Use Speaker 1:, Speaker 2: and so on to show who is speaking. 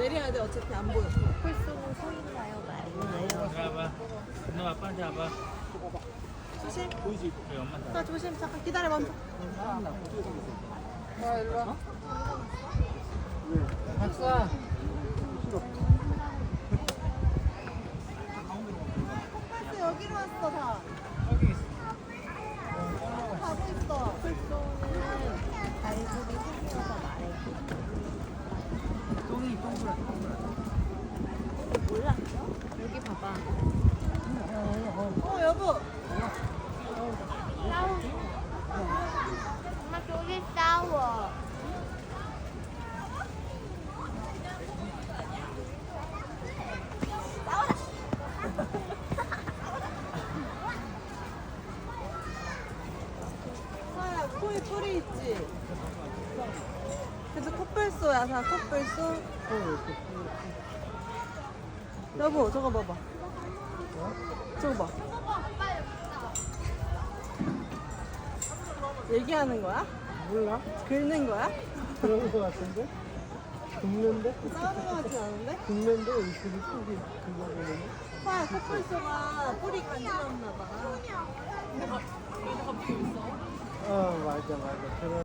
Speaker 1: 내려야 돼. 어차피 안 보여.
Speaker 2: 콜쏘는 서 있나요? 말이나요?
Speaker 3: 잡아. 너 아빠 잡아.
Speaker 1: 조심.
Speaker 3: 우리 엄마 잡아.
Speaker 1: 나 조심. 잠깐 기다려 멈춰. 아 일로 와.
Speaker 3: 박사.
Speaker 1: 코뿔소 여기로 왔어 다.
Speaker 3: 여기 있어.
Speaker 1: 가고 있어.
Speaker 2: 콜쏘는 발굽이 생겨서 말해.
Speaker 3: 똥이 동그랗.
Speaker 2: 몰랐어? 여기 봐봐.
Speaker 1: 여보.
Speaker 2: 싸워. 엄마 저기 싸워.
Speaker 1: 사야 코에 뿔이 있지. 그래서 코뿔소야 사 코뿔소. 여보 저거 봐봐. 저거 봐. 얘기하는 거야?
Speaker 3: 몰라?
Speaker 1: 긁는 거야?
Speaker 3: 그런 거 같은데? 굽는데?
Speaker 1: 싸우는 거 같진 않은데?
Speaker 3: 굽는데 이렇게 속이 그거 보는데?
Speaker 1: 사야 코뿔소가 뿔이 간지럽나 봐.
Speaker 3: 맞아. 그런